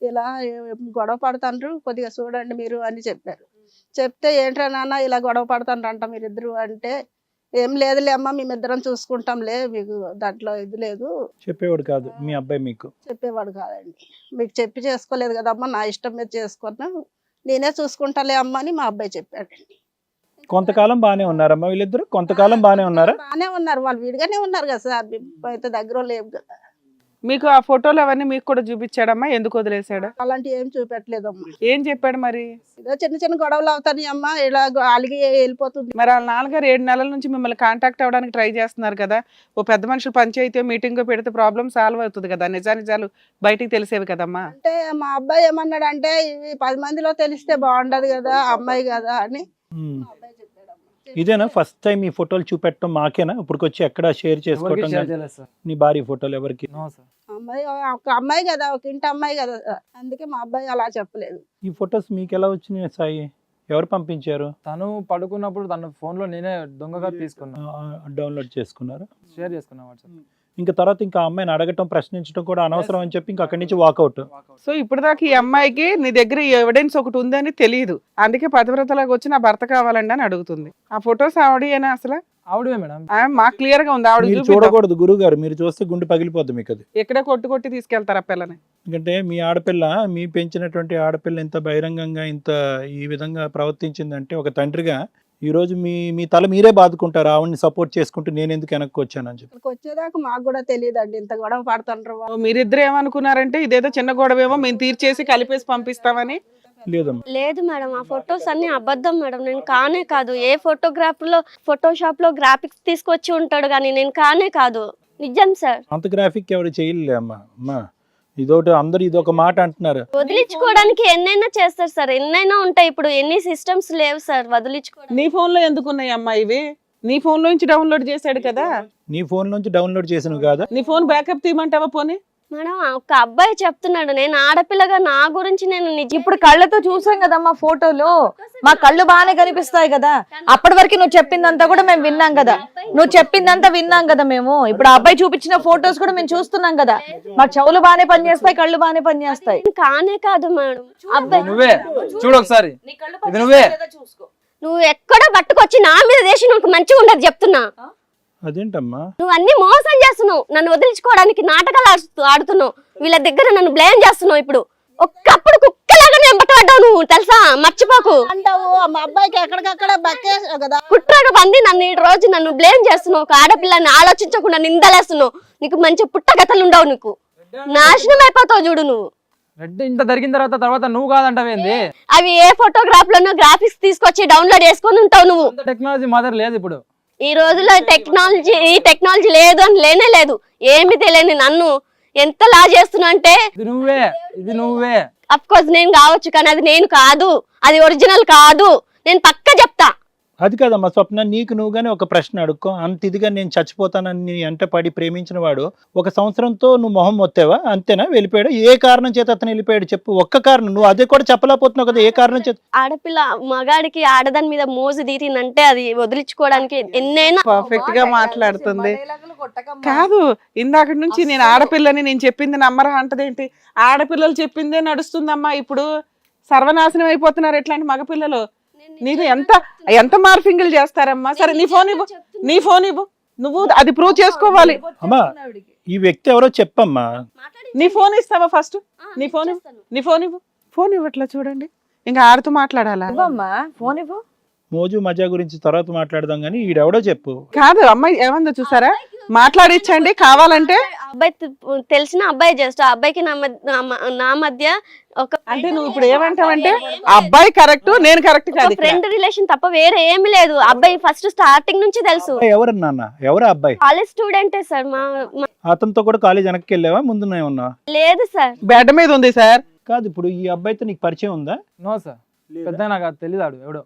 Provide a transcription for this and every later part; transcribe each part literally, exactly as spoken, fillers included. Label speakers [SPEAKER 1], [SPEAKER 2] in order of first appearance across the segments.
[SPEAKER 1] ఇలా ఏ- గొడవ పడతాండ్రు కొద్దిగా చూడండి మీరు అని చెప్పారు. చెప్తే ఏంట్రా నాన్న ఇలా గొడవ పడతాండ్రంట మీరిద్దరు అంటే, ఏం లేదులే అమ్మ మేమిద్దరం చూసుకుంటాంలే మీకు దాంట్లో ఇది లేదు
[SPEAKER 2] చెప్పేవాడు కాదు మీ అబ్బాయి మీకు.
[SPEAKER 1] చెప్పేవాడు కాదండి. మీకు చెప్పి చేసుకోలేదు కదమ్మా నా ఇష్టం మీద చేసుకున్నాను నేనే చూసుకుంటాలే అమ్మ అని మా అబ్బాయి చెప్పాడండి.
[SPEAKER 2] కొంతకాలం బానే ఉన్నారమ్మా వీళ్ళిద్దరు, కొంతకాలం బానే ఉన్నారా?
[SPEAKER 1] బాగానే ఉన్నారు వాళ్ళు విడిగానే ఉన్నారు కదా సార్ మేము అయితే దగ్గర లేవు కదా.
[SPEAKER 3] మీకు ఆ ఫోటోలు అవన్నీ మీకు కూడా చూపించాడమ్మా? ఎందుకు వదిలేశాడు?
[SPEAKER 1] అలాంటివి ఏం చూపెట్టలేదమ్మా.
[SPEAKER 3] ఏం చెప్పాడు మరి?
[SPEAKER 1] ఏదో చిన్న చిన్న గొడవలు అవుతాయి అమ్మ ఇలా అలిగి వెళ్ళిపోతుంది.
[SPEAKER 3] మరి వాళ్ళ నాన్నగారు ఏడు నెలల నుంచి మిమ్మల్ని కాంటాక్ట్ అవ్వడానికి ట్రై చేస్తున్నారు కదా. ఓ పెద్ద మనుషులు పంచాయతీ మీటింగ్ పెడితే ప్రాబ్లం సాల్వ్ అవుతుంది కదా, నిజానిజాలు బయటికి తెలిసేవి కదమ్మా.
[SPEAKER 1] అంటే మా అబ్బాయి ఏమన్నాడు అంటే ఇవి పది మందిలో తెలిస్తే బాగుండదు కదా అమ్మాయి కదా అని
[SPEAKER 2] ఉమ్.
[SPEAKER 1] మా అబ్బాయి చెప్పాడమ్మా.
[SPEAKER 2] ఇదేనా ఫస్ట్ టైం ఈ ఫోటోలు చూపెట్టడం మాకేనా? ఇప్పటికొచ్చి ఎక్కడ షేర్ చేసుకోవటం కానీ? నీ భార్య ఫోటోలు ఎవరికి?
[SPEAKER 1] అమ్మాయి ఒక అమ్మాయి కదా ఒక ఇంటి అమ్మాయి కదా అందుకే మా అబ్బాయి అలా చెప్పలేదు.
[SPEAKER 2] ఈ ఫొటోస్ మీకు ఎలా వచ్చినాయి సాయి? ఎవరు పంపించారు?
[SPEAKER 4] తను పడుకున్నప్పుడు తన ఫోన్ లో నేనే దొంగగా తీసుకున్నా,
[SPEAKER 2] డౌన్లోడ్ చేసుకున్నారు,
[SPEAKER 4] షేర్ చేసుకున్నా వాట్సాప్.
[SPEAKER 2] ఇంకా తర్వాత ఇంకా అమ్మాయిని అడగటం ప్రశ్నించడం కూడా అనవసరం అని చెప్పి ఇంకా అక్కడి నుంచి వాకౌట్.
[SPEAKER 3] సో ఇప్పుడు దాకా ఈ అమ్మాయికి నీ దగ్గర ఈ ఎవిడెన్స్ ఒకటి ఉందని తెలియదు, అందుకే పతివ్రతలాగా వచ్చి నా భర్త కావాలండి అని అడుగుతుంది. ఆ ఫొటోస్ ఆవిడేనా అసలు?
[SPEAKER 4] ఆవిడే మేడం.
[SPEAKER 3] ఆమె మాకు క్లియర్ గా ఉంది. ఆవిడ
[SPEAKER 2] మీరు
[SPEAKER 3] చూపిద్దాం.
[SPEAKER 2] చూడకూడదు గురువు గారు, మీరు చూస్తే గుండె పగిలిపోద్ది మీకు. అది
[SPEAKER 3] ఎక్కడే కొట్టి కొట్టి తీసుకెళ్తారు ఆ పిల్లని.
[SPEAKER 2] ఎందుకంటే మీ ఆడపిల్ల, మీ పెంచినటువంటి ఆడపిల్ల ఇంత బహిరంగంగా ఇంత ఈ విధంగా ప్రవర్తించిందంటే ఒక తండ్రిగా ఈ రోజు మీ మీ తల మీరే బాదుకుంటారు ఆవిడని సపోర్ట్ చేసుకుంటూ నేను ఎందుకు వెనక్కి వచ్చానని చెప్పి.
[SPEAKER 1] ఇక్కడికి వచ్చేదాకా మాకు కూడా తెలియదండి ఇంత గొడవ పడుతుండ్రు వాళ్ళు.
[SPEAKER 3] మీరిద్దరు ఏమనుకున్నారంటే ఇదేదో చిన్న గొడవేమో మేము తీర్చేసి కలిపేసి పంపిస్తామని.
[SPEAKER 2] లేదమ్మా,
[SPEAKER 5] లేదు మేడం, ఆ ఫొటోస్ అన్ని అబద్ధం మేడం. నేను కానే కాదు. ఏ ఫోటోగ్రాఫ్ లో ఫోటోషాప్ లో గ్రాఫిక్స్ తీసుకొచ్చి ఉంటాడు కానీ నేను కానే కాదు. నిజం సార్.
[SPEAKER 2] అంత గ్రాఫిక్ ఎవరు చేయలే అమ్మా. అమ్మా ఇదొకటి అందరు ఇదొక మాట అంటున్నారు.
[SPEAKER 5] వదిలించుకోవడానికి ఎన్నైనా చేస్తారు సార్, ఎన్నైనా ఉంటాయి. ఇప్పుడు ఎన్ని సిస్టమ్స్ లేవు సార్ వదిలించుకోవడానికి.
[SPEAKER 3] నీ ఫోన్ లో ఎందుకు ఉన్నాయి అమ్మా ఇవి? నీ ఫోన్ లో నుంచి డౌన్లోడ్ చేశాడు కదా.
[SPEAKER 2] నీ ఫోన్ నుంచి డౌన్లోడ్ చేసినవి కాదా?
[SPEAKER 3] నీ ఫోన్ బ్యాకప్ తీయమంటావా పోనీ?
[SPEAKER 5] మేడం ఒక అబ్బాయి చెప్తున్నాడు నేను ఆడపిల్లగా నా గురించి నేను నిజం
[SPEAKER 6] ఇప్పుడు కళ్ళతో చూసాం కదమ్మా ఫోటోలు, మా కళ్ళు బాగానే కనిపిస్తాయి కదా. అప్పటి వరకు నువ్వు చెప్పిందంతా కూడా మేము విన్నాం కదా, నువ్వు చెప్పిందంతా విన్నాం కదా మేము. ఇప్పుడు ఆ అబ్బాయి చూపించిన ఫోటోస్ కూడా మేము చూస్తున్నాం కదా. మా చెవులు బాగానే పనిచేస్తాయి, కళ్ళు బాగానే పనిచేస్తాయి.
[SPEAKER 5] కానే కాదు మేడం అబ్బాయి.
[SPEAKER 4] నువ్వే చూడు ఒకసారి, ఇది నువ్వే.
[SPEAKER 5] నువ్వు ఎక్కడో పట్టుకొచ్చి నా మీద దేశం నాకు మంచిగా ఉండదు చెప్తున్నా.
[SPEAKER 2] అదేంటమ్మా?
[SPEAKER 5] నువ్వు అన్ని మోసం చేస్తున్నావు, నన్ను వదిలించుకోవడానికి నాటకాలు ఆడుతూ- ఆడుతున్నావు. వీళ్ళ దగ్గర నన్ను బ్లేమ్ చేస్తున్నావు. ఇప్పుడు ఒక్కప్పుడు కుక్కలాగా నేను పట్టబడ్డావు నువ్వు తెలుసా, మర్చిపోకు.
[SPEAKER 1] అంటావు మా అబ్బాయికి ఎక్కడికక్కడ బక్కేసావు కదా.
[SPEAKER 5] కుట్రగా పంది నన్ను ఈ రోజు నన్ను బ్లేమ్ చేస్తున్నావు. ఒక ఆడపిల్లని ఆలోచించకుండా నిందలేస్తున్నావు. నీకు మంచి పుట్టగతలు ఉండవు, నీకు నాశనం అయిపోతావు చూడు నువ్వు.
[SPEAKER 4] రెడ్ ఇంత జరిగిన తర్వాత తర్వాత నువ్వు కాదంటావేంది?
[SPEAKER 5] అవి ఏ ఫోటోగ్రాఫ్ లోనో గ్రాఫిక్స్ తీసుకొచ్చి డౌన్లోడ్ చేసుకొని ఉంటావు నువ్వు.
[SPEAKER 4] టెక్నాలజీ మాత్రం లేదు ఇప్పుడు.
[SPEAKER 5] ఈ రోజులో టెక్నాలజీ ఈ టెక్నాలజీ లేదు అని లేనే లేదు. ఏమి తెలియని నన్ను ఎంతలా చేస్తున్నా అంటే
[SPEAKER 4] ఇది నువ్వే, ఇది నువ్వే.
[SPEAKER 5] అఫ్ కోర్స్ నేను కావచ్చు కానీ అది నేను కాదు, అది ఒరిజినల్ కాదు. నేను పక్క చెప్తా.
[SPEAKER 2] అది కాదమ్మా స్వప్న, నీకు నువ్వుగానే ఒక ప్రశ్న అడుక్కో. అంత ఇదిగా నేను చచ్చిపోతానని ఎంట పడి ప్రేమించిన వాడు ఒక సంవత్సరంతో నువ్వు మొహం మొత్తావా? అంతేనా? వెళ్ళిపోయాడు? ఏ కారణం చేత అతను వెళ్ళిపోయాడు చెప్పు, ఒక్క కారణం. నువ్వు అదే కూడా చెప్పలేకపోతున్నావు కదా, ఏ కారణం చేత?
[SPEAKER 5] ఆడపిల్ల మగాడికి ఆడదాని మీద మోజు తీరిందంటే అది వదిలించుకోవడానికి ఎన్నైనా
[SPEAKER 3] పర్ఫెక్ట్ గా మాట్లాడుతుంది. కాదు ఇందాక నుంచి నేను ఆడపిల్లని నేను చెప్పింది నమ్మరా అంటదేంటి? ఆడపిల్లలు చెప్పిందే నడుస్తుందమ్మా. ఇప్పుడు సర్వనాశనం అయిపోతున్నారు ఇట్లాంటి మగపిల్లలు. నీకు ఎంత ఎంత మార్ఫింగ్లు చేస్తారమ్మా. సరే నీ ఫోన్ ఇవ్వు, నీ ఫోన్ ఇవ్వు, నువ్వు అది ప్రూవ్ చేసుకోవాలి.
[SPEAKER 2] అమ్మా ఈ వ్యక్తి ఎవరో చెప్పమ్మా.
[SPEAKER 3] నీ ఫోన్ ఇస్తావా ఫస్ట్? నీ ఫోన్ ఇవ్వు, నీ ఫోన్ ఇవ్వు. ఫోన్ ఇవ్వట్లా చూడండి, ఇంకా ఆడుతూ మాట్లాడాలా?
[SPEAKER 6] ఇవ్వమ్మా ఫోన్ ఇవ్వు.
[SPEAKER 2] మోజు మజా గురించి తర్వాత మాట్లాడదాం కానీ ఈడెవడో చెప్పు.
[SPEAKER 3] కాదు అమ్మాయి ఏమందో చూసారా, మాట్లాడించండి కావాలంటే.
[SPEAKER 5] అబ్బాయి తె- తెలిసిన అబ్బాయి జస్ట్ ఆ అబ్బాయికి నా మధ్య నా మ- నా మధ్య ఒక
[SPEAKER 3] అంటే నువ్వు ఇప్పుడు ఏమంటావంటే అబ్బాయి కరెక్ట్ నేను కరెక్ట్ కాదు ఇక్కడ.
[SPEAKER 5] ఫ్రెండ్ రిలేషన్ తప్ప వేరే ఏమి లేదు. అబ్బాయి ఫస్ట్ స్టార్టింగ్ నుంచి తెలుసు.
[SPEAKER 2] ఎవరు నాన్న, ఎవరు అబ్బాయి?
[SPEAKER 5] కాలేజ్ స్టూడెంటే సార్. మా మా-
[SPEAKER 2] అతనితో కూడా కాలేజ్ వెనక్కి వెళ్ళావా, ముందునే ఉన్నా?
[SPEAKER 5] లేదు సార్.
[SPEAKER 3] బెడ్ మీద ఉంది సార్.
[SPEAKER 2] కాదు ఇప్పుడు ఈ అబ్బాయితో నీకు పరిచయం ఉందా?
[SPEAKER 4] నో సార్, పెద్ద నాకు అది తెలియదు ఎవడో.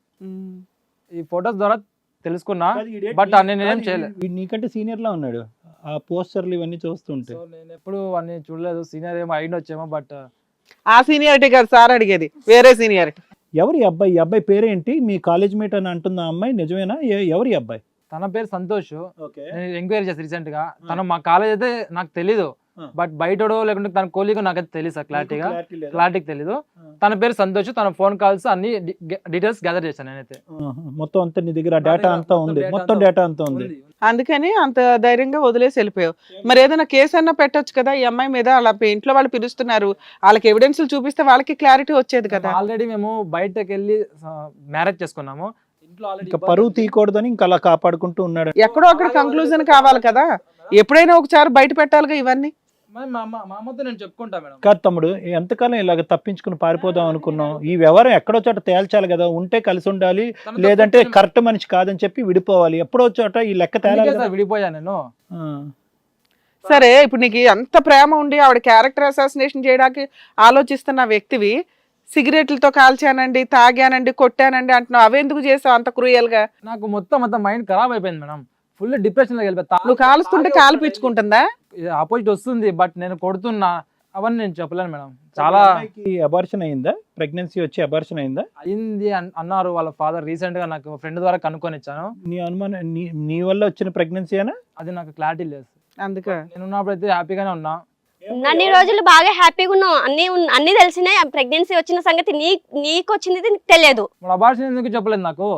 [SPEAKER 4] ఈ ఫొటోస్ ద్వారా తెలుసుకున్నా, బట్ నేను ఏం చేయలేదు.
[SPEAKER 2] వీడు నీకంటే సీనియర్ లా ఉన్నాడు ఆ పోస్టర్లు ఇవన్నీ చూస్తుంటే.
[SPEAKER 4] సో నేను ఎప్పుడు అన్ని చూడలేదు. సీనియర్ ఏమో అయింది వచ్చేమో, బట్
[SPEAKER 3] ఆ సీనియారిటీ కాదు సార్ అడిగేది, వేరే సీనియారిటీ.
[SPEAKER 2] ఎవరి అబ్బాయి? ఈ అబ్బాయి పేరేంటి? మీ కాలేజ్ మేట్ అని అంటుంది ఆ అమ్మాయి, నిజమేనా? ఎ- ఎవరి అబ్బాయి?
[SPEAKER 4] తన పేరు సంతోష్. నేను ఎంక్వైరీ చేసి రీసెంట్ గా. తను మా కాలేజ్ అయితే నాకు తెలీదు, బట్ బయటడో లేకుంటే తన కోలీగో నాకైతే తెలియదు సార్ క్లారిటీగా క్లారిటీకి తెలీదు. తన పేరు సంతోష్, తన ఫోన్ కాల్స్ అన్ని డీటెయిల్స్ గ్యాదర్ చేశాను నేనైతే.
[SPEAKER 2] మొత్తం అంతా నీ దగ్గర డేటా అంతా ఉంది, మొత్తం డేటా అంతా ఉంది.
[SPEAKER 3] అందుకని అంత ధైర్యంగా వదిలేసి వెళ్ళిపోయావు. మరి ఏదైనా కేసు అన్నా పెట్టొచ్చు కదా ఈ అమ్మాయి మీద, అలా ఇంట్లో వాళ్ళు పిలుస్తున్నారు, వాళ్ళకి ఎవిడెన్స్ చూపిస్తే వాళ్ళకి క్లారిటీ వచ్చేది కదా.
[SPEAKER 4] ఆల్రెడీ మేము బయటకు వెళ్ళి మ్యారేజ్ చేసుకున్నాము, ఇంట్లో
[SPEAKER 2] ఇంకా పరువు తీయకూడదని ఇంకా అలా కాపాడుకుంటూ ఉన్నాడు.
[SPEAKER 3] ఎక్కడో అక్కడ కంక్లూజన్ కావాలి కదా, ఎప్పుడైనా ఒకసారి బయట పెట్టాలిగా ఇవన్నీ.
[SPEAKER 4] మా అమ్మతో నేను చెప్పుకుంటా మేడం.
[SPEAKER 2] కాదు తమ్ముడు, ఎంతకాలం ఇలాగ తప్పించుకుని పారిపోదాం అనుకున్నాం? ఈ వ్యవహారం ఎక్కడో చోట తేల్చాలి కదా, ఉంటే కలిసి ఉండాలి, లేదంటే కరెక్ట్ మనిషి కాదని చెప్పి విడిపోవాలి. ఎప్పుడో చోట ఈ లెక్క తేలాలి కదా.
[SPEAKER 4] విడిపోయా నేను.
[SPEAKER 3] సరే, ఇప్పుడు నీకు అంత ప్రేమ ఉండి ఆవిడ క్యారెక్టర్ అసాసినేషన్ చేయడానికి ఆలోచిస్తున్న వ్యక్తివి, సిగరెట్లతో కాల్చానండి, తాగానండి, కొట్టానండి అంటున్నావు, అవెందుకు చేసావు అంత క్రూయల్ గా?
[SPEAKER 4] నాకు మొత్తం మొత్తం మైండ్ ఖరాబ్ అయిపోయింది మేడం, ఫుల్ డిప్రెషన్ లో వెళ్ళిపోతా.
[SPEAKER 3] నువ్వు కాలుస్తుంటే కాలు పిచ్చుకుంటుందా?
[SPEAKER 4] ఆపోజిట్ వస్తుంది బట్ నేను కొడుతున్నా, అవన్నీ నేను చెప్పలేను మేడం. చాలా
[SPEAKER 2] అబార్షన్ అయిందా? ప్రెగ్నెన్సీ వచ్చి అబార్షన్ అయిందా?
[SPEAKER 4] అయింది అన్నారు వాళ్ళ ఫాదర్. రీసెంట్ గా నాకు ఫ్రెండ్ ద్వారా కనుక్కొని ఇచ్చాను.
[SPEAKER 2] నీ అనుమానం నీ నీ వల్ల వచ్చిన ప్రెగ్నెన్సీ అయినా?
[SPEAKER 4] అది నాకు క్లారిటీ లేదు.
[SPEAKER 3] అందుకే
[SPEAKER 4] నేను ఉన్నప్పుడు అయితే హ్యాపీగానే ఉన్నా.
[SPEAKER 5] అన్ని రోజులు బాగా హ్యాపీగా ఉన్నాం, అన్ని ఉన్- అన్ని తెలిసినాయి. ప్రెగ్నెన్సీ వచ్చిన సంగతి నీ నీకు వచ్చింది నీకు తెలియదు.
[SPEAKER 4] మన అబార్షన్ ఎందుకు చెప్పలేదు నాకు?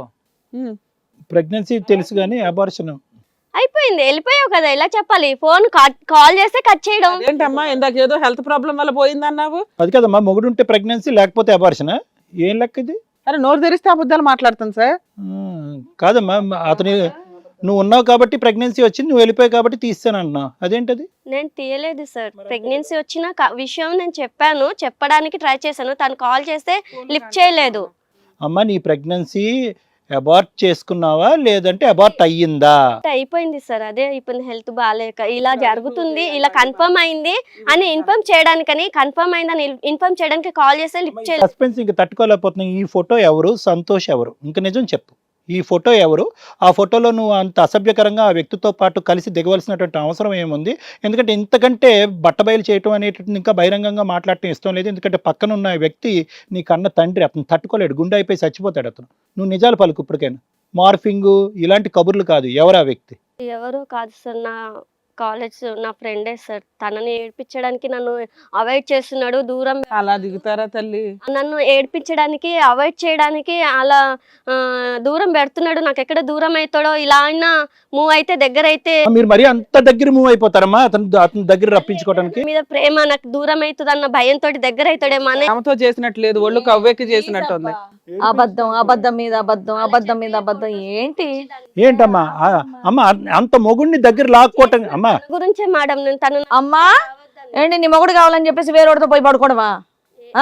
[SPEAKER 2] ప్రెగ్నెన్సీ తెలుసు కానీ అబార్షన్
[SPEAKER 5] అయిపోయింది, వెళ్ళిపోయావు కదా, ఇలా చెప్పాలి. ఫోన్ కాల్ చేస్తే కట్ చేయడం.
[SPEAKER 3] ఏంటమ్మా ఇందాక ఏదో హెల్త్ ప్రాబ్లం వల్ల పోయిందన్నావు?
[SPEAKER 2] అది కదమ్మా, మొగుడుంటే ప్రెగ్నెన్సీ లేకపోతే అబార్షన్, ఏం లెక్క ఇది?
[SPEAKER 3] అరే నోరు తెరిస్తే అబద్ధాలు మాట్లాడుతాను సార్.
[SPEAKER 2] కాదమ్మా, అతని నువ్వు ఉన్నావు కాబట్టి ప్రెగ్నెన్సీ వచ్చింది, నువ్వు వెళ్ళిపోయావు కాబట్టి తీస్తాను అన్నావు, అదేంటది?
[SPEAKER 5] నేను తీయలేదు సార్. ప్రెగ్నెన్సీ వచ్చిన క- విషయం నేను చెప్పాను, చెప్పడానికి ట్రై చేశాను. తను కాల్ చేస్తే లిఫ్ట్ చేయలేదు.
[SPEAKER 2] అమ్మా, నీ ప్రెగ్నెన్సీ అబార్ట్ చేసుకున్నావా లేదంటే అబార్ట్ అయ్యిందా?
[SPEAKER 5] అయిపోయింది సార్, అదే అయిపోయింది. హెల్త్ బాగాలేక ఇలా జరుగుతుంది, ఇలా కన్ఫర్మ్ అయింది అని ఇన్ఫార్మ్ చేయడానికని, కన్ఫర్మ్ అయిందని ఇన్ఫార్మ్ చేయడానికి కాల్ చేస్తే లిఫ్ట్ చేయలేదు.
[SPEAKER 2] సస్పెన్స్ ఇంకా తట్టుకోలేకపోతున్నావు. ఈ ఫోటో ఎవరు? సంతోష్ ఎవరు? ఇంకా నిజం చెప్పు, ఈ ఫోటో ఎవరు? ఆ ఫోటోలో నువ్వు అంత అసభ్యకరంగా ఆ వ్యక్తితో పాటు కలిసి దిగవలసినటువంటి అవసరం ఏముంది? ఎందుకంటే ఇంతకంటే బట్టబయలు చేయటం అనేటువంటి ఇంకా బహిరంగంగా మాట్లాడటం ఇష్టం లేదు. ఎందుకంటే పక్కన ఉన్న వ్యక్తి నీ కన్న తండ్రి, అతను తట్టుకోలేడు, గుండె అయిపోయి చచ్చిపోతాడు అతను. నువ్వు నిజాలు పలుకు ఇప్పటికైనా. మార్ఫింగ్ ఇలాంటి కబుర్లు కాదు. ఎవరు ఆ వ్యక్తి?
[SPEAKER 5] ఎవరు కాదు సార్, నా కాలేజ్ నా ఫ్రెండే సార్. తనని ఏడ్పించడానికి నన్ను అవాయిడ్ చేస్తున్నాడు, దూరం
[SPEAKER 3] అలా దిగుతారా తల్లి?
[SPEAKER 5] నన్ను ఏడ్పించడానికి అవాయిడ్ చేయడానికి అలా ఆ, దూరం పెడుతున్నాడు. నాకు ఎక్కడ దూరం అవుతాడో, ఇలా అయినా మూవ్ అయితే దగ్గర అయితే
[SPEAKER 2] మీరు మరీ అంత దగ్గర మూవ్ అయిపోతారమ్మా అతను అతని దగ్గర రప్పించుకోవడానికి?
[SPEAKER 5] మీద ప్రేమ, నాకు దూరం అవుతుంది అన్న భయంతో దగ్గర అవుతాడేమో అని.
[SPEAKER 3] ఆమెతో చేసినట్టు లేదు, ఒళ్ళు కవ్వెక్కి చేసినట్టు ఉంది.
[SPEAKER 6] అబద్ధం అబద్ధం మీద అబద్ధం, అబద్ధం మీద అబద్ధం. ఏంటి
[SPEAKER 2] ఏంటమ్మా ఆ, అమ్మ అంత మొగుడిని దగ్గర లాక్కోవటం అమ్మా
[SPEAKER 5] గురించే మేడం. నేను తను
[SPEAKER 6] అమ్మా ఏంటి నీ మొగుడు కావాలని చెప్పేసి వేరేవాడితో పోయి పడుకోవడమా? ఆ?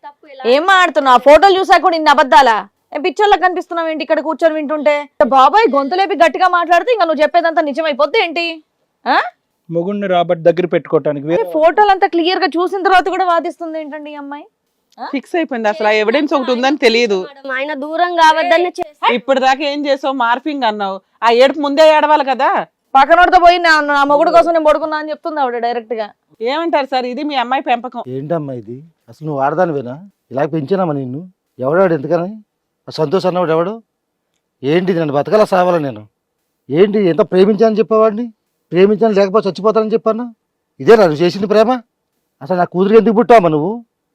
[SPEAKER 6] ఏం మాడుతున్నావు? ఆ ఫోటోలు చూసా కూడా ఇన్ని అబద్ధాలా? ఏం పిచ్చోళ్ళకి కనిపిస్తున్నావు ఏంటి ఇక్కడ కూర్చొని వింటుంటే? బాబాయ్ గొంతులేపి గట్టిగా మాట్లాడితే ఇంకా నువ్వు చెప్పేదంతా నిజమైపోద్ది ఏంటి? ఆ?
[SPEAKER 2] మొగుడిని రాబట్టి దగ్గర పెట్టుకోవటానికి వేరే
[SPEAKER 6] ఫోటోలు అంతా క్లియర్ గా చూసిన తర్వాత కూడా వాదిస్తుంది ఏంటండి ఈ అమ్మాయి?
[SPEAKER 3] ఫిక్స్ అయిపోయింది, అసలు ఆ ఎవిడెన్స్ ఒకటి ఉందని తెలియదు.
[SPEAKER 5] ఆయన దూరం కావద్దని చేసి
[SPEAKER 3] ఇప్పుడు దాకా ఏం చేసావు? మార్ఫింగ్ అన్నావు, ఆ ఏడుపు ముందే ఏడవాలి కదా.
[SPEAKER 6] పక్కనోడితో పోయి నా నా మొగుడు కోసం నేను పడుకున్నా అని చెప్తుంది ఆవిడ డైరెక్ట్ గా.
[SPEAKER 3] ఏమంటారు సార్, ఇది మీ అమ్మాయి పెంపకం?
[SPEAKER 7] ఏంటమ్మా ఇది? అసలు నువ్వు ఆడదానివేనా? ఇలా పెంచినామా నిన్ను? ఎవడాడు ఎందుకని? ఆ సంతోష్ అన్నవాడు ఎవడు? ఏంటి నన్ను బతకలా సావాలా నేను? ఏంటి ఎంత ప్రేమించానని చెప్పేవాడిని? ప్రేమించాను లేకపోతే చచ్చిపోతానని చెప్పాను. ఇదే నువ్వు చేసింది ప్రేమ? అసలు నా కూతురు ఎందుకు పుట్టావమ్మా నువ్వు?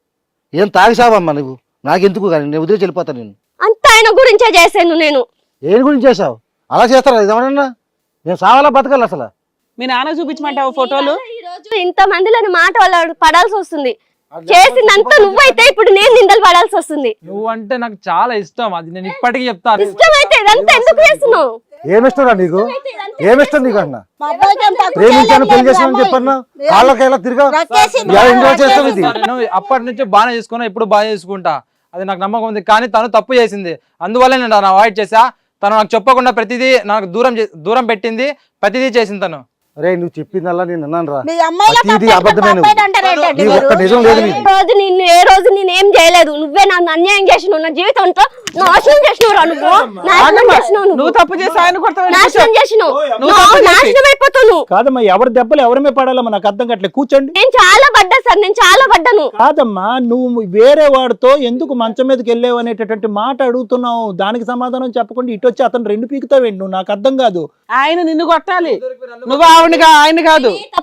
[SPEAKER 7] ఏం తాగిసావమ్మా నువ్వు? నాకెందుకు కానీ నేను వదిలేసి వెళ్ళిపోతాను నేను.
[SPEAKER 5] అంత ఆయన గురించే చేశాను నేను.
[SPEAKER 7] ఏం గురించి చేసావు? అలా చేస్తారా ఇదేమన్నా? నేను సావాలా బతకాలి అసలు?
[SPEAKER 3] మీ నాన్న చూపించమంటావు ఫోటోలు?
[SPEAKER 5] ఈ రోజు ఇంత మందిలోని మాట వాళ్ళు పడాల్సి వస్తుంది. చేసిందంతా నువ్వైతే ఇప్పుడు నేను నిందలు పడాల్సి వస్తుంది.
[SPEAKER 4] నువ్వంటే నాకు చాలా ఇష్టం, అది నేను ఇప్పటికీ చెప్తాను.
[SPEAKER 5] ఇష్టమైతే ఇదంతా ఎందుకు చేస్తున్నావు?
[SPEAKER 7] ఏమిష్టరా నీకు? ఏమిష్టం నీకు అన్న? ప్రేమించాను పెళ్లి చేసానని చెప్పన్నా కాళ్ళకైలా తిరిగా ఎంజాయ్ చేస్తావు ఇది.
[SPEAKER 4] నేను అప్పటి నుంచి బాగానే చేసుకున్నా, ఇప్పుడు బాగా చేసుకుంటా, అది నాకు నమ్మకం ఉంది. కానీ తను తప్పు చేసింది, అందువల్ల నేను తను అవాయిడ్ చేసా. తను నాకు చెప్పకుండా ప్రతిదీ నాకు దూరం చే- దూరం పెట్టింది, ప్రతిదీ చేసింది తను.
[SPEAKER 7] అరే నువ్వు చెప్పిందల్లా నేను అన్నాను రా.
[SPEAKER 1] మీ అమ్మాయిలో
[SPEAKER 7] ప్రతిదీ అబద్ధమే నువ్వు. నీ ఒక్క నిజం లేదు నీకు.
[SPEAKER 5] ఏ రోజు నిన్ను ఏ రోజు నేను ఏం చేయలేదు. నువ్వే నన్ను అన్యాయం చేసినావు, నా జీవితంతో నాశనం చేసినావు. నువ్వు నాశనం చేసినావు,
[SPEAKER 3] నువ్వు
[SPEAKER 5] నువ్వు
[SPEAKER 3] తప్పు చేసి ఆయన కొడతావు.
[SPEAKER 5] నాశనం చేసినావు,
[SPEAKER 3] నువ్వు
[SPEAKER 5] నువ్వు
[SPEAKER 3] తప్పు చేసి.
[SPEAKER 5] నాశనం అయిపోతావు నువ్వు.
[SPEAKER 2] కాదమ్మా, ఎవరి దెబ్బలు ఎవరిమే పడాలమ్మా నాకు అర్థం కావట్లేదు. కూర్చోండి.
[SPEAKER 5] నేను చాలా పడ్డా సార్, నేను చాలా పడ్డాను.
[SPEAKER 2] కాదమ్మా, నువ్వు వేరే వాడితో ఎందుకు మంచం మీదకి వెళ్ళావు అనేటటువంటి మాట అడుగుతున్నావు. దానికి సమాధానం చెప్పకుండా ఇటు వచ్చి అతను రెండు పీకుతావేంటి? నువ్వు నాకు అర్థం కాదు.
[SPEAKER 3] ఆయన నిన్ను కొట్టాలి, నువ్వు ఆవిడగా ఆయన కాదు.
[SPEAKER 5] తప్పు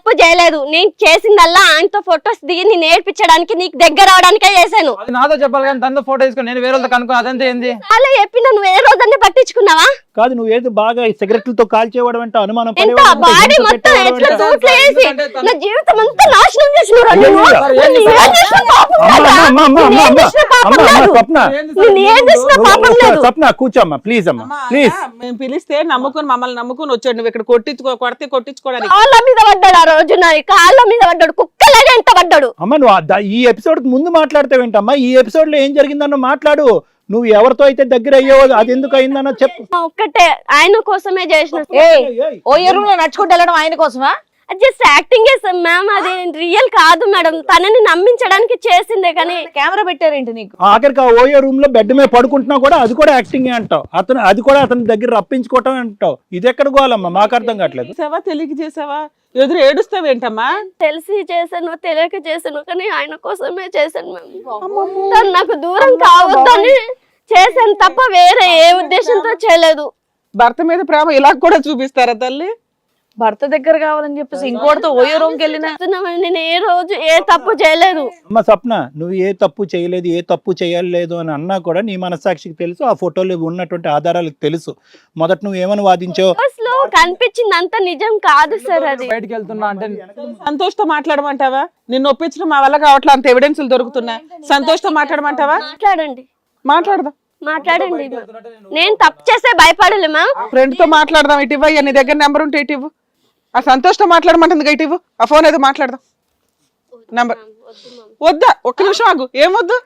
[SPEAKER 5] తప్పు చేయలేదు. నేను చేసిందల్లా ఆయనతో ఫొటోస్ దిగి నేను నేర్పించడానికి నీకు దగ్గర అవడానికే చేశాను.
[SPEAKER 4] అది నాతో చెప్పాలి కానీ తనతో ఫోటో తీసుకొని నేను వేరే వాళ్ళతో కనుక్కో అదంతా ఏంది?
[SPEAKER 5] అలా చెప్పిన నువ్వు ఏ రోజన్నీ పట్టించుకున్నావా?
[SPEAKER 2] కాదు నువ్వు ఏదో బాగా సిగరెట్లతో కాల్చేవాడు అంటే అనుమానం
[SPEAKER 5] ఎంత
[SPEAKER 2] పడేవాడు,
[SPEAKER 5] బాడీ
[SPEAKER 2] ఇంట్లో
[SPEAKER 5] మొత్తం
[SPEAKER 2] పెట్టేవాడు
[SPEAKER 5] ఎట్లా
[SPEAKER 2] అంటే-
[SPEAKER 5] తూట్లు వేసి నా జీవితం అంతా నాశనం చేసినవురా నువ్వు.
[SPEAKER 2] అయ్యయ్యో.
[SPEAKER 5] నేను ఏం చేసిన పాపం
[SPEAKER 2] అమ్మ,
[SPEAKER 5] లేదా?
[SPEAKER 2] అమ్మ, అమ్మ, అమ్మ,
[SPEAKER 5] నేను ఏం
[SPEAKER 2] అమ్మ,
[SPEAKER 5] చేసిన పాపం
[SPEAKER 2] అమ్మ, అమ్మ,
[SPEAKER 5] లేదు.
[SPEAKER 2] స్వప్న
[SPEAKER 5] నేను ఏం చేసిన పాపం లేదు.
[SPEAKER 2] స్వప్న కూర్చోమ్మా ప్లీజ్ అమ్మా
[SPEAKER 3] అమ్మా,
[SPEAKER 2] ప్లీజ్.
[SPEAKER 3] ఆయన మేము పిలిస్తే నమ్ముకుని మమ్మల్ని నమ్ముకుని వచ్చాడు. నువ్వు ఇక్కడ కొట్టించుకో కొడితే కొట్టించుకోవడానికి
[SPEAKER 5] కాళ్ళ మీద పడ్డాడు ఆ రోజు, నా కాళ్ళ మీద పడ్డాడు, కుక్కలాగా ఎంత పడ్డాడు.
[SPEAKER 2] అమ్మ నువ్వు ఆ ద- ఈ ఎపిసోడ్ ముందు మాట్లాడతావేంటమ్మా? ఈ ఎపిసోడ్ లో ఏం జరిగిందన్న మాట్లాడు. నువ్వు ఎవరితో అయితే దగ్గర అయ్యావో అది ఎందుకు అయిందన్న చెప్పు.
[SPEAKER 5] ఒక్కటే ఆయన కోసమే చేసిన.
[SPEAKER 6] ఏ ఓ ఎరువులో నడుచుకుంటూ వెళ్ళడం ఆయన కోసమా?
[SPEAKER 5] జస్ట్ యాక్టింగ్ చేస్తాం మ్యామ్, అది రియల్ కాదు మేడం. తనని నమ్మించడానికి చేసిందే కానీ.
[SPEAKER 6] కెమెరా పెట్టారేంటి నీకు?
[SPEAKER 2] ఆఖరికి ఆ ఓయో రూమ్ లో బెడ్ మీద పడుకుంటున్నా కూడా అది కూడా యాక్టింగ్ అంటావు. అతను అది కూడా అతని దగ్గర రప్పించుకోవటం అంటావు. ఇది ఎక్కడ గోవాలమ్మా? మాకు అర్థం కావట్లేదు.
[SPEAKER 3] చేసావా తెలియక చేసావా? ఎదురు ఏడుస్తావేంటమ్మా?
[SPEAKER 5] తెలిసి చేశాను తెలియక చేశాను కానీ ఆయన కోసమే చేశాను మ్యామ్. తను నాకు దూరం కావద్దని చేశాను తప్ప వేరే ఏ ఉద్దేశంతో చేయలేదు.
[SPEAKER 3] భర్త మీద ప్రేమ ఇలా కూడా చూపిస్తారా తల్లి?
[SPEAKER 6] భర్త దగ్గర కావాలని చెప్పేసి ఇంకోటితో ఓయో రూమ్కి వెళ్ళినా
[SPEAKER 5] చెప్తున్నామని నేను ఏ రోజు ఏ తప్పు చేయలేదు.
[SPEAKER 2] అమ్మ స్వప్న నువ్వు ఏ తప్పు చేయలేదు, ఏ తప్పు చేయలేదు అని అన్నా కూడా నీ మనస్సాక్షికి తెలుసు, ఆ ఫోటోలో ఉన్నటువంటి ఆధారాలకు తెలుసు. మొదట నువ్వు ఏమని వాదించావు?
[SPEAKER 5] లో కనిపించింది అంత నిజం కాదు సార్. అది
[SPEAKER 4] బయటికి వెళ్తున్నా అంటే
[SPEAKER 3] సంతోష్తో మాట్లాడమంటావా? నిన్ను ఒప్పించడం మా వల్ల కావట్లే, అంత ఎవిడెన్స్లు దొరుకుతున్నా. సంతోష్తో మాట్లాడమంటావా?
[SPEAKER 5] మాట్లాడండి
[SPEAKER 3] మాట్లాడదాం.
[SPEAKER 5] మాట్లాడండి. నేను తప్పు చేస్తే భయపడలే మ్యామ్.
[SPEAKER 3] ఫ్రెండ్ తో మాట్లాడదాం. ఇటు ఇవ్వ, నీ దగ్గర నెంబర్ ఉంటే ఇటు ఇవ్వు. ఆ సంతోష్తో మాట్లాడమంటుంది ఇటు ఇవ్వు. ఆ ఫోన్ ఏదో మాట్లాడదాం. నంబర్ వద్దా? ఒక్క నిమిషం ఆగు. ఏమొద్దు?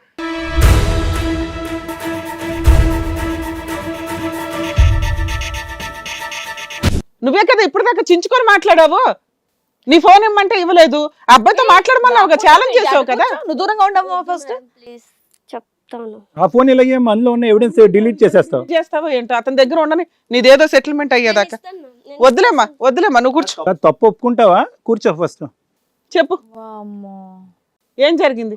[SPEAKER 3] నువ్వే కదా ఇప్పుడు దాకా చించుకొని మాట్లాడావు. నీ ఫోన్ ఇమ్మంటే ఇవ్వలేదు. ఆ అబ్బాయితో మాట్లాడమన్నావు కదా, ఛాలెంజ్ చేసావు కదా.
[SPEAKER 6] నువ్వు దూరంగా ఉండవు ఫస్ట్.
[SPEAKER 5] ప్లీజ్ చెప్తాను.
[SPEAKER 2] ఆ ఫోన్ ఇలాగే అందులో ఉన్న ఎవిడెన్స్ డిలీట్ చేసేస్తావు.
[SPEAKER 3] చేస్తావో ఏంటో అతని దగ్గర ఉండని, నీదేదో సెటిల్మెంట్ అయ్యేదాకా. వద్దులేమ్మా వద్దులేమ్మా, నువ్వు కూర్చో.
[SPEAKER 2] కాదు, తప్పు ఒప్పుకుంటావా? కూర్చో ఫస్ట్.
[SPEAKER 3] చెప్పు ఏం జరిగింది?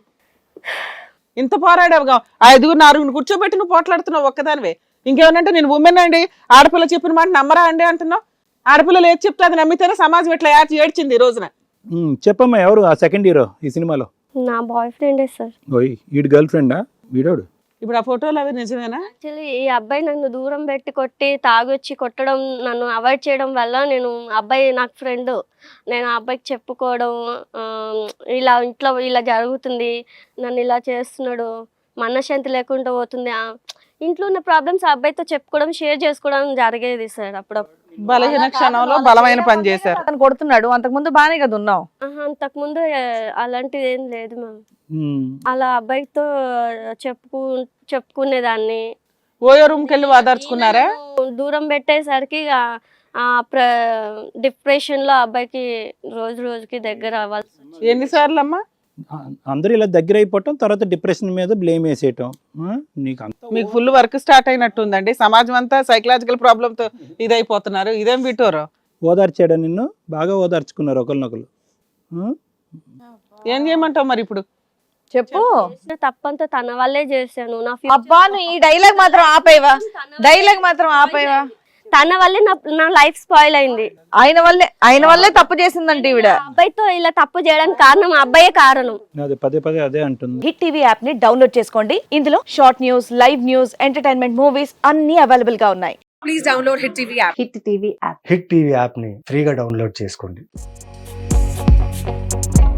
[SPEAKER 3] ఇంత పోరాడావుగా, ఆ ఐదుగురు నాలుగురు కూర్చోబెట్టి నువ్వు పోట్లాడుతున్నావు ఒక్కదానివే. ఇంకేమనంటే నేను ఉమెన్ అండి, ఆడపిల్ల చెప్పిన మాట నమ్మరా అండి అంటున్నావు. ఆడపిల్లలు ఏది చెప్తే అది నమ్మితేనే సమాజం ఇట్లా ఏడ్చి ఏడ్చింది ఈ రోజున.
[SPEAKER 2] ఉమ్, చెప్పమ్మా ఎవరు ఆ సెకండ్ హీరో ఈ సినిమాలో?
[SPEAKER 5] నా బాయ్ ఫ్రెండే సార్.
[SPEAKER 2] ఓయ్ వీడి గర్ల్ ఫ్రెండా వీడోడు?
[SPEAKER 3] ఇప్పుడు ఆ ఫోటోలు అవి నిజమేనా?
[SPEAKER 5] యాక్చువల్లీ ఈ అబ్బాయి నన్ను దూరం పెట్టి కొట్టి తాగొచ్చి కొట్టడం, నన్ను అవాయిడ్ చేయడం వల్ల నేను అబ్బాయి నాకు ఫ్రెండ్, నేను ఆ అబ్బాయికి చెప్పుకోవడం, ఆ, ఇలా ఇంట్లో ఇలా జరుగుతుంది, నన్ను ఇలా చేస్తున్నాడు, మనశ్శాంతి లేకుండా పోతుంది, ఆ, ఇంట్లో ఉన్న ప్రాబ్లమ్స్ ఆ అబ్బాయితో చెప్పుకోవడం, షేర్ చేసుకోవడం జరిగేది సార్. అప్పుడప్పుడు
[SPEAKER 3] బలహీన క్షణంలో బలమైన పని చేశారు.
[SPEAKER 6] అతను కొడుతున్నాడు, అంతకు ముందు బానే కదా ఉన్నావు.
[SPEAKER 5] అంతకు ముందు అలాంటిది ఏం లేదు మ్యామ్.
[SPEAKER 2] ఉమ్,
[SPEAKER 5] అలా అబ్బాయితో చెప్పుకు చెప్పుకునేదాన్ని.
[SPEAKER 3] ఓయో రూమ్కి వెళ్ళి వాదార్చుకున్నారా?
[SPEAKER 5] దూరం పెట్టేసరికి ఆ- ఆ ప్ర డిప్రెషన్ లో అబ్బాయికి రోజు రోజుకి దగ్గర అవ్వాల్సి వచ్చింది.
[SPEAKER 3] ఎన్నిసార్లు అమ్మా?
[SPEAKER 2] ఆ, అందరూ ఇలా దగ్గర అయిపోవటం, తర్వాత డిప్రెషన్ మీద బ్లేమ్ వేసేయటం. ఆ, నీకు అంత
[SPEAKER 3] మీకు ఫుల్ వర్క్ స్టార్ట్ అయినట్టుందండి. సమాజం అంతా సైకలాజికల్ ప్రాబ్లమ్ తో ఇదైపోతున్నారు. ఇదేం విటోరు?
[SPEAKER 2] ఓదార్చాడా నిన్ను? బాగా ఓదార్చుకున్నారు ఒకరినొకరు. ఆ?
[SPEAKER 3] ఏం చేయమంటావు మరి ఇప్పుడు?
[SPEAKER 6] చెప్పు.
[SPEAKER 5] తప్పంతా తన వల్లే చేశాను. నా
[SPEAKER 6] అబ్బా నువ్వు ఈ డైలాగ్ మాత్రం ఆపేవా? డైలాగ్ మాత్రం ఆపేవా?
[SPEAKER 5] తన వల్లే నా నా లైఫ్ స్పాయిల్ అయింది.
[SPEAKER 6] ఆయన వల్లే ఆయన వల్లే తప్పు చేసిందంటే ఈవిడ.
[SPEAKER 5] ఆ అబ్బాయితో ఇలా తప్పు చేయడానికి కారణం ఆ అబ్బాయే కారణం.
[SPEAKER 2] అదే పదే పదే అదే అంటుంది.
[SPEAKER 6] హిట్ టీవీ యాప్ ని డౌన్లోడ్ చేసుకోండి. ఇందులో short news, live news, entertainment movies అన్ని అవైలబుల్ గా ఉన్నాయి.
[SPEAKER 8] Please download hit TV app.
[SPEAKER 6] Hit TV app
[SPEAKER 9] hit TV యాప్ని ఫ్రీగా డౌన్లోడ్ చేసుకోండి.